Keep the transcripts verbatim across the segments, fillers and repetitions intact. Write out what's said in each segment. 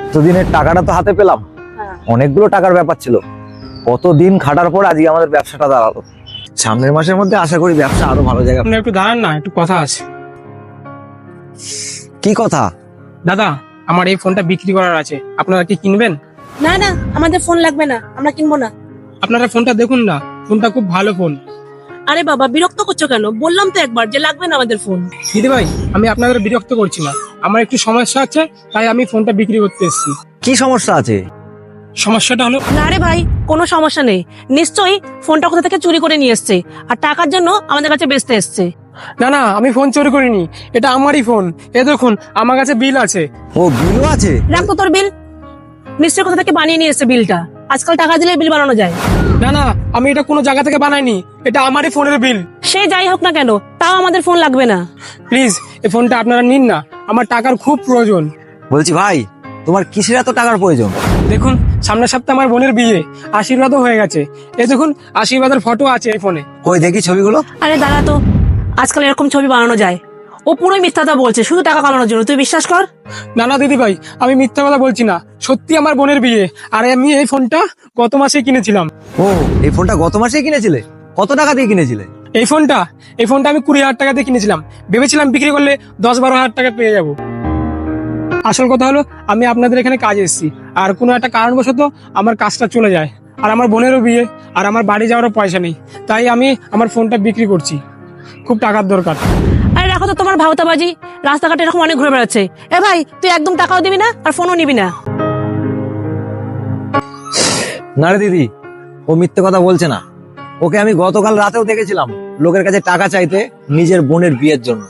এতদিনের টাকাটা তো হাতে পেলাম, অনেকগুলো টাকার ব্যাপার ছিল। কতদিন খাটার পর আজকে আমাদের ব্যবসাটা দাঁড়ালো। সামনের মাসের মধ্যে আশা করি ব্যবসা আরো ভালো জায়গা। আপনি একটু দাঁড়ান না, একটু কথা আছে। কি কথা? দাদা, আমার এই ফোনটা বিক্রি করার আছে, আপনারা কি কিনবেন? না না, আমাদের ফোন লাগবে না, আমরা কিনবো না। আপনারা ফোনটা দেখুন না, ফোনটা খুব ভালো ফোন। আরে বাবা, বিরক্ত করছো কেন? বললাম তো একবার যে লাগবে না আমাদের ফোন। দিদি ভাই, আমি আপনাদের বিরক্ত করছি না, আমার একটু সমস্যা আছে, তাই আমি ফোনটা বিক্রি করতে এসেছি। কি সমস্যা আছে? সমস্যাটা হলো, না রে ভাই, কোনো সমস্যা নেই। নিশ্চয়ই ফোনটা কোথা থেকে চুরি করে নিয়ে এসছে আর টাকার জন্য আমাদের কাছে বেচতে এসছে। না না, আমি ফোন চুরি করিনি, এটা আমারই ফোন। এ দেখুন, আমার কাছে বিল আছে। ও, বিলও আছে? রাখ তো তোর বিল। নিশ্চয়ই কোথা থেকে বানিয়ে নিয়ে এসছে বিলটা। আজকাল টাকা দিলে বিল বানানো যায়। না না, আমি এটা কোনো জায়গা থেকে বানাইনি, এটা আমারই ফোনের বিল। সে যাই হোক না কেন, তাও আমাদের ফোন লাগবে না। প্লিজ, এই ফোনটা আপনারা নিন না, আমার টাকার খুব প্রয়োজন। বলছি ভাই, তোমার কিসের এত টাকার প্রয়োজন? দেখুন, সামনের সপ্তাহে আমার বোনের বিয়ে, আশীর্বাদও হয়ে গেছে। এই দেখুন, আশীর্বাদের ফটো আছে এই ফোনে। কই দেখি ছবিগুলো। আরে দাঁড়া তো, আজকাল এরকম ছবি বানানো যায়? ও পুরোই মিথ্যাটা বলছে, শুধু টাকা কামানোর জন্য। তুই বিশ্বাস কর। না না দিদি ভাই, আমি মিথ্যা কথা বলছি না, সত্যি আমার বোনের বিয়ে। আর আমি এই ফোনটা গত মাসে কিনেছিলাম। ও, এই ফোনটা গত মাসেই কিনেছিলে? কত টাকা দিয়ে কিনেছিলে? এই ফোনটা এই ফোনটা আমি কুড়ি হাজার টাকা দিয়ে কিনেছিলাম, ভেবেছিলাম বিক্রি করলে দশ বারো হাজার টাকা পেয়ে যাব। আসল কথা হলো, আমি আপনাদের এখানে কাজে এসেছি, আর কোনো একটা কারণবশত আমার কাজটা চলে যায়, আর আমার বোনেরও বিয়ে, আর আমার বাড়ি যাওয়ারও পয়সা নেই, তাই আমি আমার ফোনটা বিক্রি করছি। খুব টাকার দরকার। আরে রাখো তো তোমার ভাওতাবাজি, রাস্তাঘাটে এরকম অনেক ঘুরে বেড়াচ্ছে। এ ভাই, তুই একদম টাকাও দিবি না আর ফোনও নিবি না। না রে দিদি, ও মিথ্যে কথা বলছে না। ওকে আমি গতকাল রাতেও দেখেছিলাম লোকের কাছে টাকা চাইতে নিজের বোনের বিয়ের জন্য।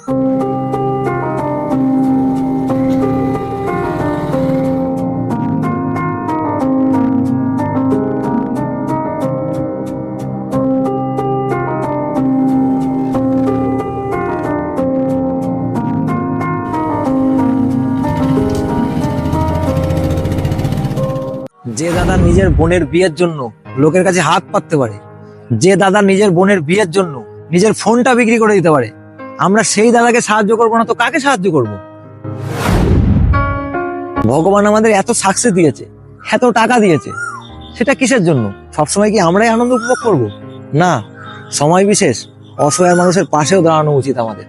যে দাদা নিজের বোনের বিয়ের জন্য লোকের কাছে হাত পাততে পারে, যে দাদা নিজের বোনের বিয়ের জন্য নিজের ফোনটা বিক্রি করে দিতে পারে, আমরা সেই দাদাকে সাহায্য করবো না তো কাকে সাহায্য করব? ভগবান আমাদের এত সাকসেস দিয়েছে, এত টাকা দিয়েছে, সেটা কিসের জন্য? সবসময় কি আমরাই আনন্দ উপভোগ করব? না, সময় বিশেষ অসহায় মানুষের পাশেও দাঁড়ানো উচিত আমাদের।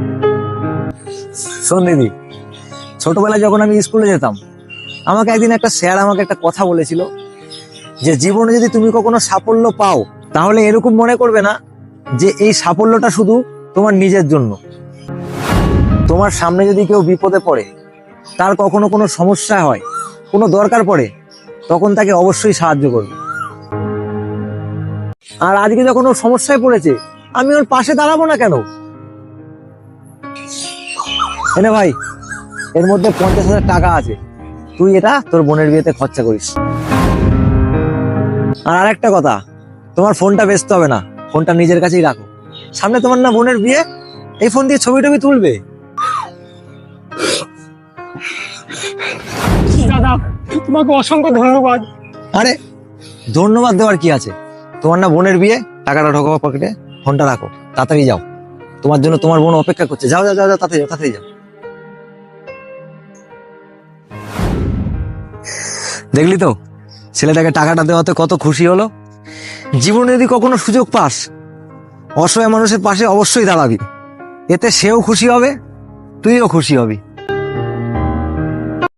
শোন দিদি, ছোটবেলায় যখন আমি স্কুলে যেতাম, আমাকে একদিন একটা স্যার আমাকে একটা কথা বলেছিল যে জীবনে যদি তুমি কখনো সাফল্য পাও, তাহলে এরকম মনে করবে না যে এই সাফল্যটা শুধু তোমার নিজের জন্য। তোমার সামনে যদি কেউ বিপদে পড়ে, তার কখনো কোনো সমস্যা হয়, কোনো দরকার পড়ে, তখন তাকে অবশ্যই সাহায্য করবে। আর আজকে যখন ও সমস্যায় পড়েছে, আমি ওর পাশে দাঁড়াবো না কেন? এনে ভাই, এর মধ্যে পঞ্চাশ হাজার টাকা আছে, তুই এটা তোর বোনের বিয়েতে খরচা করিস। আর আরেকটা কথা, তোমার ফোনটা বেচতে হবে না, ফোনটা নিজের কাছেই রাখো। সামনে তোমার না বোনের বিয়ে, এই ফোন দিয়ে ছবি টবি তুলবে। দাদা, তোমাকে অসংখ্য ধন্যবাদ। আরে ধন্যবাদ দেওয়ার কি আছে? তোমার না বোনের বিয়ে, টাকাটা ঢোকাবো পকেটে, ফোনটা রাখো, তাড়াতাড়ি যাও। তোমার জন্য তোমার বোন অপেক্ষা করছে। যাও যাও যাও, তাড়াতাড়ি যাও, তাড়াতাড়ি যাও। দেখলি তো ছেলেটাকে টাকাটা দেওয়াতে কত খুশি হলো। জীবনে যদি কখনো সুযোগ পাস, অসহায় মানুষের পাশে অবশ্যই দাঁড়াবি, এতে সেও খুশি হবে, তুইও খুশি হবি।